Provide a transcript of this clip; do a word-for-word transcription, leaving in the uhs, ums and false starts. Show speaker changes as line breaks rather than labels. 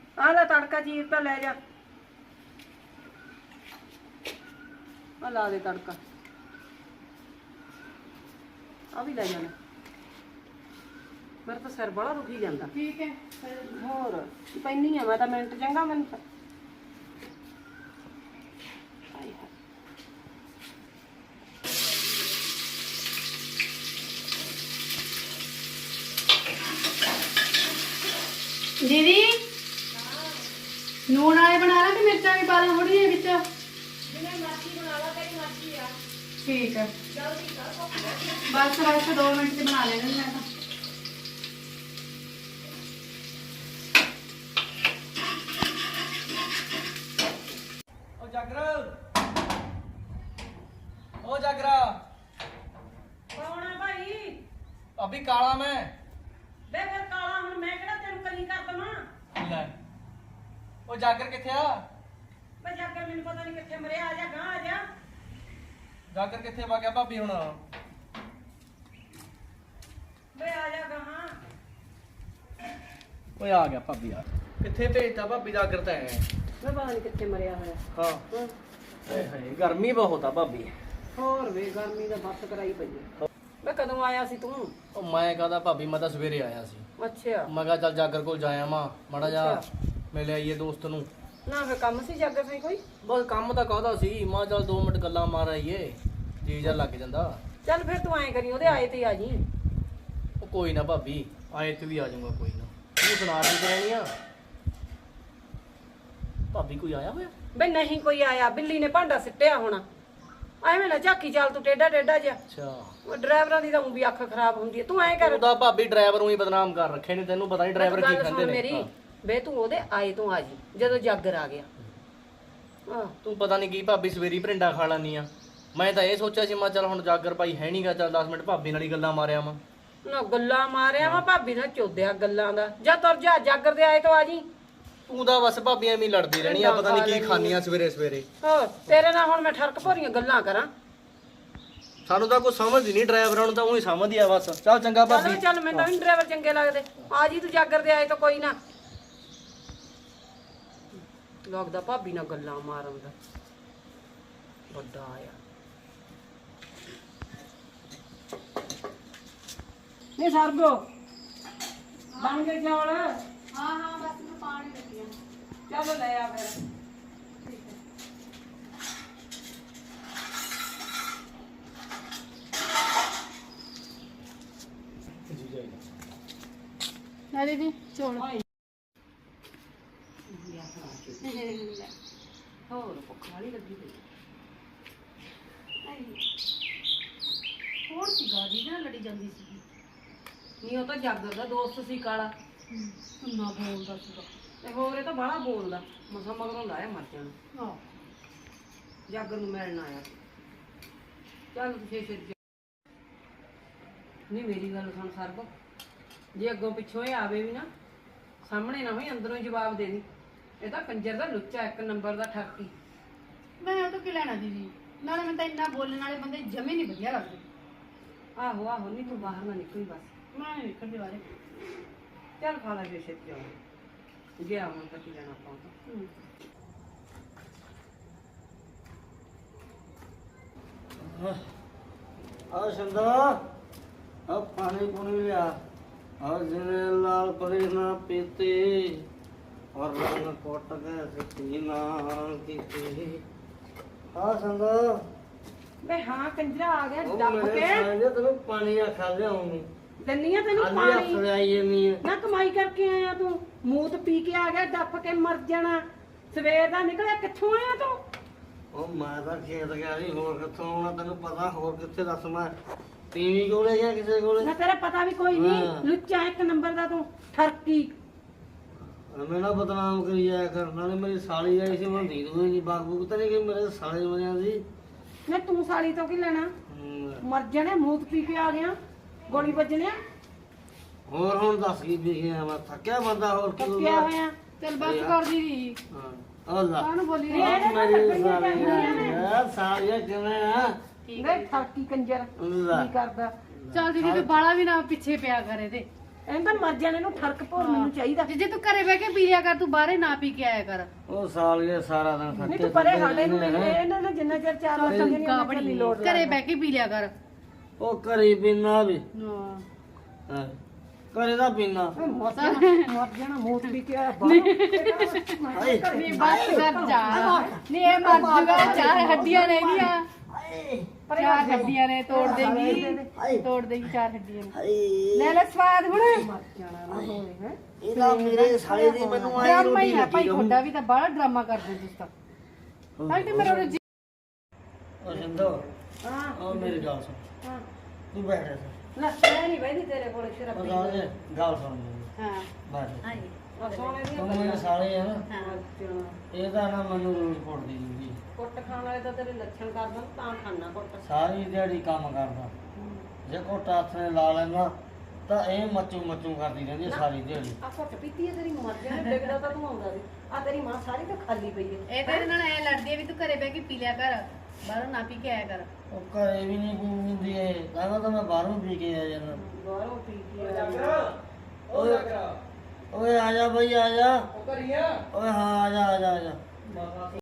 ਆ ਲੈ ਤੜਕਾ ਚੀਰ ਤਾਂ ਲੈ ਜਾ। ਆ ਲਾ ਦੇ ਤੜਕਾ, ਆ ਵੀ ਲੈ ਜਾਣਾ। ਮੇਰਾ ਤਾਂ ਸਿਰ ਬੜਾ ਦੁਖੀ ਜਾਂਦਾ।
ਠੀਕ ਹੈ
ਹੋਰ ਪੈਣੀ ਆ ਮੈਂ ਤਾਂ ਮਿੰਟ ਚੰਗਾ ਮੈਨੂੰ ਤਾਂ। ਹਾਏ ਹਾਏ।
ਦੀਦੀ ਨੂਣ ਵਾਲੇ ਬਣਾ ਲਾ ਕਿ ਮਿਰਚਾਂ ਵੀ ਪਾ ਲਾਂ ਥੋੜੀ ਜਿਹੀ ਵਿੱਚ?
ਜਿਵੇਂ ਮਰਜ਼ੀ ਬਣਾ ਲਾ, ਤੇਰੀ ਮਰਜ਼ੀ ਆ।
ਠੀਕ ਹੈ
ਜਲਦੀ ਕਰ।
ਬਸ ਬਸ ਦੋ ਮਿੰਟ ਚ ਬਣਾ ਲੈਣਾ ਮੈਂ ਤਾਂ।
ओ जागर ओ जागरा
ਕੌਣ ਆ ਭਾਈ?
अभी काला मैं
ਵੇ ਫਿਰ ਕਾਲਾ ਹੁਣ ਮੈਂ ਕਿਹੜਾ ਤੈਨੂੰ ਕਲੀ ਕਰ ਦਵਾਂ?
ले ओ जागर किथे आ
ਵੇ ਜਾਗਰ ਮੈਨੂੰ ਪਤਾ ਨਹੀਂ ਕਿੱਥੇ ਮਰਿਆ। ਆ ਜਾ ਗਾਂ ਆ ਜਾ।
जागर किथे वा गया भाभी हुण
ਵੇ ਆ ਜਾ ਗਾਂ।
ओए आ गया भाभी यार किथे भेजता भाभी जागर ते
ਵੇ ਪਤਾ ਨਹੀਂ ਕਿੱਥੇ ਮਰਿਆ ਹੋਇਆ।
हां
ਹਾਂ।
हाय हाय गर्मी बहुत आ भाभी
ਹੋਰ ਵੇ ਗਰਮੀ ਦਾ ਬੱਤ ਕਰਾਈ ਪਈ ਹੈ। ਵੇ ਕਦੋਂ ਆਇਆ ਸੀ ਤੂੰ?
ओ मैं कहदा भाभी मैं तो सवेरे आया सी
ਅੱਛਾ
मैं कहा चल जागर कोल जाया मां माड़ा जा
अच्छा।
मिले आईए दोस्त नु
ਨਾ ਫੇ ਕੰਮ ਸੀ ਜਾਗਰ ਸੀ ਕੋਈ?
बस काम ਤਾਂ ਕਾਹਦਾ ਸੀ ਮਾਂ ਚੱਲ ਦੋ ਮਿੰਟ ਗੱਲਾਂ ਮਾਰ ਆਈਏ ਜੀ ਜਾ ਲੱਗ ਜਾਂਦਾ
ਚੱਲ ਫਿਰ ਤੂੰ ਐਂ ਕਰੀ ਉਹਦੇ ਆਏ ਤੇ ਆ ਜੀ।
ਉਹ ਕੋਈ ਨਾ ਭਾਬੀ ਆਏ ਤੇ ਵੀ ਆ ਜਾਊਗਾ ਕੋਈ ਨਾ ਤੂੰ ਸੁਣਾ ਕੀ ਕਰਨੀ ਆ ਭਾਬੀ ਕੋਈ ਆਇਆ ਹੋਇਆ
ਵੇ ਨਹੀਂ ਕੋਈ ਆਇਆ, ਬਿੱਲੀ ਨੇ ਭਾਂਡਾ ਸਿੱਟਿਆ ਹੋਣਾ। ਐਵੇਂ ਨਾ ਝਾਕੀ ਚੱਲ ਤੂੰ ਟੇਡਾ ਟੇਡਾ ਜਿਹਾ।
ਅੱਛਾ
ਉਹ ਡਰਾਈਵਰਾਂ ਦੀ ਤਾਂ ਊਂ ਵੀ ਅੱਖ ਖਰਾਬ ਹੁੰਦੀ ਹੈ। ਤੂੰ ਐਂ ਕਰ,
ਉਹਦਾ ਭਾਬੀ ਡਰਾਈਵਰ ਨੂੰ ਹੀ ਬਦਨਾਮ ਕਰ ਰੱਖੇ ਨੇ ਤੈਨੂੰ ਪਤਾ ਨਹੀਂ ਡਰਾਈਵਰ ਕੀ
ਗੱਲ
ਖਾਂਦੇ
ਸੁਣ
ਨੇ
ਮੇਰੀ। ਵੇ ਤੂੰ ਉਹਦੇ ਆਏ ਤੋਂ ਆ ਜੀ ਜਦੋਂ ਜਾਗਰ ਆ ਗਿਆ। ਹਾਂ
ਤੂੰ ਪਤਾ ਨਹੀਂ ਕੀ ਭਾਬੀ ਸਵੇਰੀ ਭਰਿੰਡਾ ਖਾ ਲਾਨੀ ਆ ਮੈਂ ਤਾਂ ਇਹ ਸੋਚਿਆ ਸੀ ਮੈਂ ਚੱਲ ਹੁਣ ਜਾਗਰ ਭਾਈ ਹੈ ਨਹੀਂਗਾ ਚੱਲ ਦਸ ਮਿੰਟ ਭਾਬੀ ਨਾਲ ਹੀ ਗੱਲਾਂ ਮਾਰਿਆ ਵਾ
ਨਾ ਗੱਲਾਂ ਮਾਰਿਆ ਵਾ ਭਾਬੀ ਨਾਲ ਚੋਦਿਆ ਗੱਲਾਂ ਦਾ। ਜਾ ਤੁਰ ਜਾ, ਜਾਗਰ ਦੇ ਆਏ ਤੋਂ ਆ ਜੀ।
ਤੂੰ ਤਾਂ ਬਸ ਭਾਬੀ ਐਵੇਂ ਹੀ ਲੜਦੀ ਰਹਿਣੀ ਆ ਪਤਾ ਨਹੀਂ ਕੀ ਖਾਨੀਆਂ ਸਵੇਰੇ ਸਵੇਰੇ
ਹੋਰ ਤੇਰੇ ਨਾਲ ਹੁਣ ਮੈਂ ਠਰਕ ਭੋਰੀਆਂ ਗੱਲਾਂ ਕਰਾਂ?
ਸਾਨੂੰ ਤਾਂ ਕੋਈ ਸਮਝ ਨਹੀਂ ਡਰਾਈਵਰਾਂ ਨੂੰ ਤਾਂ ਉਹੀ ਸਮਝਦੀ ਆ ਬਸ ਚੱਲ ਚੰਗਾ
ਚੱਲ
ਭਾਬੀ
ਚੱਲ ਮੈਨੂੰ ਤਾਂ ਡਰਾਈਵਰ ਚੰਗੇ ਲੱਗਦੇ। ਆ ਜੀ ਤੂੰ ਜਾਗਰ ਦੇ ਆਏ ਤੋਂ ਕੋਈ ਨਾ। ਲੱਗਦਾ ਭਾਬੀ ਨਾਲ ਗੱਲਾਂ ਮਾਰਨ ਦਾ ਵੱਡਾ ਆਇਆ। ਨਹੀਂ ਸਰਬੋ ਬਣ ਗਏ ਚੌਲ?
ਹਾਂ ਹਾਂ ਬਸ ਮੈਂ ਪਾਣੀ ਲੱਗੀ ਆ।
ਚਲੋ ਲੈ ਆ ਫਿਰ।
ਲੈ ਦੀਦੀ ਚੋਲ।
ਹੋਰ ਭੁੱਖ ਵਾਲੀ ਲੱਗੀ ਪਈ।
ਹੋਰ ਸੀ ਗਾਦੀ ਨਾਲ ਲੜੀ ਜਾਂਦੀ ਸੀ।
ਨਹੀਂ ਉਹ ਤਾਂ ਜਾਗਰ ਦਾ ਦੋਸਤ ਸੀ ਕਾਲਾ।
ਕਿੰਨਾ ਬੋਲਦਾ ਸੀਗਾ।
ਤੇ ਹੋਰ ਇਹ ਤਾਂ ਬਾਹਲਾ ਬੋਲਦਾ। ਮਸਾਂ ਮਗਰੋਂ ਲਾਇਆ ਮਰ ਜਾਣਾ।
ਹਾਂ
ਜਾਗਰ ਨੂੰ ਮਿਲਣ ਆਇਆ ਸੀ। ਚੱਲ ਤੁਸੀਂ ਫਿਰ ਜਾ। ਨਹੀਂ ਮੇਰੀ ਗੱਲ ਸੁਣ ਸਰਬ, ਜੇ ਅੱਗੋਂ ਪਿੱਛੋਂ ਇਹ ਆਵੇ ਵੀ ਨਾ ਸਾਹਮਣੇ ਨਾ ਹੋਈ ਅੰਦਰੋਂ ਹੀ ਜਵਾਬ ਦੇ ਦੀ। ਇਹ ਤਾਂ ਕੰਜਰ ਦਾ ਲੁੱਚਾ ਇੱਕ ਨੰਬਰ ਦਾ ਠੱਕੀ।
ਮੈਂ ਉਹ ਤੋਂ ਕੀ ਲੈਣਾ ਦੀਦੀ? ਨਾਲੇ ਮੈਂ ਤਾਂ ਇੰਨਾ ਬੋਲਣ ਵਾਲੇ ਬੰਦੇ ਜਮੇ ਨਹੀਂ ਵਧੀਆ ਲੱਗਦੇ।
ਆਹੋ ਆਹੋ ਨਹੀਂ ਤੂੰ ਬਾਹਰ ਨਾ ਨਿਕਲੀ ਬਸ।
ਮੈਂ ਨਹੀਂ ਨਿਕਲਦੇ ਬਾਰੇ।
ਚੱਲ ਖਾ ਲੈ ਜੇ ਛੇਤੀ ਆਉਂ ਗਿਆ ਹੁਣ ਤਾਂ ਕੀ ਲੈਣਾ ਆਪਾਂ ਤਾਂ।
ਆ ਸੰਦਾ ਆ ਪਾਣੀ ਪੁਣੀ ਲਿਆ ਆ ਜਿਨੇ ਲਾਲ ਪਰੇ ਨਾ ਪੀਤੇ ਔਰ ਰੰਗ ਕੋਟ ਕੇ ਸਿੱਟੀ ਨਾ ਕੀਤੇ ਆ ਸੰਦਾ
ਵੇ ਹਾਂ ਕੰਜਰਾ ਆ ਗਿਆ
ਉਹ
ਡੱਫ
ਮੇਰੇ
ਕੇ।
ਸਾਲੇ ਤੈਨੂੰ ਪਾਣੀ ਆ ਖਾ ਲਿਆਉਂਗੀ
ਦੰਨੀਆਂ ਤੈਨੂੰ
ਖਾਲੀ ਹੱਥ
ਪਾਣੀ
ਆਈ ਜੰਨੀ ਹੈ
ਨਾ ਕਮਾਈ ਕਰਕੇ ਆਇਆ ਤੂੰ। ਮੂਤ ਪੀ ਕੇ ਆ ਗਿਆ ਡੱਫ ਕੇ ਮਰ ਜਾਣਾ। ਸਵੇਰ ਦਾ ਨਿਕਲਿਆ ਕਿੱਥੋਂ ਆਇਆ ਤੂੰ?
ਉਹ ਮੈਂ ਤਾਂ ਖੇਤ ਗਿਆ ਸੀ ਹੋਰ ਕਿੱਥੋਂ ਆਉਣਾ ਤੈਨੂੰ ਪਤਾ ਹੋਰ ਕਿੱਥੇ ਦੱਸ ਮੈਂ ਟੀਵੀ ਕੋਲੇ ਗਿਆ ਕਿਸੇ ਕੋਲੇ
ਨਾ ਤੇਰਾ ਪਤਾ ਵੀ ਕੋਈ ਨਹੀਂ।
ਹਾਂ।
ਲੁੱਚਾ ਇੱਕ ਨੰਬਰ ਦਾ ਤੂੰ ਠਰਕੀ।
ਮੈਂ ਨਾ ਬਦਨਾਮ ਕਰੀ ਜਾਇਆ ਕਰਨ ਨਾਲੇ ਮੇਰੀ ਸਾਲੀ ਆਈ ਸੀ ਮੈਂ ਦੀ ਦੂਈ ਨਹੀਂ ਬਾਗ ਬੂਗ ਤਾਂ ਨਹੀਂ ਕਿ ਮੇਰੇ ਸਾਲੇ ਬਣਿਆ ਸੀ
ਨਾ ਤੂੰ ਸਾਲੀ ਤੋਂ ਕੀ ਲੈਣਾ?
ਹਮ,
ਮਰ ਜਾਣੇ ਮੂਤ ਪੀ ਕੇ ਆ ਗਿਆ। ਗੋਲੀ ਵੱਜਣਿਆ
ਹੋਰ ਹੁਣ ਦੱਸ ਕੀ ਵਿਖਿਆ ਮੈਂ ਥੱਕਿਆ ਬੰਦਾ ਹੋਰ ਕੀ
ਥੱਕਿਆ ਹੋਇਆ।
ਚੱਲ ਬਸ ਕਰ ਦੀਦੀ।
ਹਾਂ ਅੱਲਾ
ਕਾਹਨੂੰ ਬੋਲੀ
ਨਹੀਂ, ਇਹਦੇ ਨਾਲ
ਮੇਰੀ
ਲੱਗਣੀਆਂ
ਸਾਲੀ
ਚਾਹੀਦੀਆਂ ਨੇ।
ਯਾਰ ਸਾਲੀਆ ਕਿਵੇਂ ਆ
ਵੇ ਠਰਕੀ ਕੰਜਰ
ਅੱਲਾ
ਕੀ ਕਰਦਾ?
ਚੱਲ ਦੀਦੀ ਤੇ ਬਾਲਾ ਵੀ ਨਾ ਪਿੱਛੇ ਪਿਆ ਕਰ ਇਹਦੇ।
ਐਂ ਤਾਂ ਮਰ ਜਾਣੇ ਨੂੰ ਠਰਕ ਭੋਰ ਮੈਨੂੰ ਚਾਹੀਦਾ।
ਜੇ ਤੂੰ ਘਰੇ ਬਹਿ ਕੇ ਪੀ ਲਿਆ ਕਰ, ਤੂੰ ਬਾਹਰੇ ਨਾ ਪੀ ਕੇ ਆਇਆ ਕਰ।
ਉਹ ਸਾਲੀਏ ਸਾਰਾ ਦਿਨ
ਨਹੀਂ
ਖੱਟੇ
ਤੂੰ ਪਰੇ ਸਾਡੇ ਨੂੰ ਇਹਨਾਂ ਨੇ ਜਿੰਨਾ ਚਿਰ ਚਾਰ ਵਾਰ
ਤੂੰ ਕਾਬੜੀ ਘਰੇ ਬਹਿ ਕੇ ਪੀ ਲਿਆ ਕਰ।
ਉਹ ਘਰੇ ਪੀਣਾ ਵੀ
ਹਾਂ
ਹਾਂ, ਘਰੇ ਦਾ ਪੀਣਾ
ਮਰ ਜਾਣਾ ਮੋਤ ਵੀ ਕੇ ਆਇਆ ਬਾਹਰੋਂ।
ਨਹੀਂ ਬਸ ਕਰ ਜਾ। ਨਹੀਂ ਇਹ ਮਰ ਜੂਗਾ, ਚਾਰ ਹੱਡੀਆਂ ਰਹਿ ਚਾਰ ਹੱਡੀਆਂ ਨੇ, ਤੋੜ ਦੇਂਗੀ ਤੋੜ ਦੇਂਗੀ ਚਾਰ ਹੱਡੀਆਂ ਨੇ। ਲੈ ਲੈ ਸਵਾਦ ਹੁਣ।
ਮਰ ਜਾਣਾ ਨਾ ਹੋਵੇ ਹੈ।
ਇਹਦਾ ਮੇਰੇ ਸਾਲੇ ਦੀ ਮੈਨੂੰ ਆਈ
ਡਰਾਮਾ ਹੀ
ਰੋਟੀ
ਆ ਭਾਈ,
ਲੱਗੀ
ਤੁਹਾਡਾ ਵੀ ਤਾਂ ਬੜਾ ਡਰਾਮਾ ਕਰਦੇ ਤੁਸੀਂ ਤਾਂ। ਹਾਂ ਤੇ ਮੇਰਾ ਰੋਜੀ
ਉਹ ਸਿੰਦੋ
ਹਾਂ
ਉਹ ਮੇਰੀ ਗੱਲ ਸੁਣ,
ਹਾਂ
ਤੂੰ ਬੈਠ ਜਾ
ਨਾ ਮੈਂ ਨਹੀਂ ਬੈਠੀ ਤੇਰੇ ਕੋਲ ਸ਼ਰਾਬ
ਉਹ
ਪੀ
ਗੱਲ ਜੇ ਗੱਲ ਸੁਣ ਮੇਰੀ,
ਹਾਂ
ਬੈਠ
ਹਾਂ
ਆ ਸੋਨੇ ਦੀਆਂ
ਤੂੰ ਮੇਰੇ ਸਾਲੇ ਆ ਨਾ,
ਹਾਂ
ਇਹਦਾ ਨਾ ਮੈਨੂੰ ਰੋਜ਼ ਪੁੱਟਦੀ ਜੂਗੀ।
ਕੁੱਟ ਖਾਣ ਵਾਲੇ ਤਾਂ ਤੇਰੇ ਲੱਛਣ ਕਰਦਾ ਤਾਂ ਖਾਣਾ ਕੁੱਟ।
ਸਾਰੀ ਦਿਹਾੜੀ ਕੰਮ ਕਰਦਾ, ਜੇ ਕੋਟਾ ਹੱਥ ਨੇ ਲਾ ਲੈਣਾ ਤਾਂ ਇਹ ਮੱਚੂ ਮੱਚੂ ਕਰਦੀ ਰਹਿੰਦੀ ਹੈ ਸਾਰੀ ਦਿਹਾੜੀ।
ਆ ਘੁੱਟ ਪੀਤੀ ਹੈ ਤੇਰੀ ਮਰ ਜਾਣਾ, ਡਿੱਗਦਾ ਤਾਂ ਤੂੰ ਆਉਂਦਾ ਸੀ। ਆ ਤੇਰੀ ਮਾਂ ਸਾਰੀ ਤਾਂ ਖਾਲੀ ਪਈ ਹੈ।
ਇਹ ਤੇਰੇ ਨਾਲ ਐ ਲੜਦੀ ਆ ਵੀ ਤੂੰ ਘਰੇ ਬਹਿ ਕੇ ਪੀ ਲਿਆ ਕਰ, ਬਾਹਰੋਂ ਨਾ ਪੀ ਕੇ ਆਇਆ ਕਰ।
ਉਹ ਘਰੇ ਵੀ ਨਹੀਂ ਪੀਂਦੀ ਏ, ਕਹਿੰਦਾ ਤਾਂ ਮੈਂ ਬਾਹਰੋਂ ਪੀ ਕੇ ਆ ਜਾਂਦਾ।
ਬਾਹਰੋਂ ਪੀ ਕੇ ਆਇਆ।
ਓਏ ਓਏ ਆ ਜਾ ਬਈ ਆ ਜਾ। ਓਏ ਹਾਂ ਆ ਜਾ ਆ ਜਾ ਆ ਜਾ।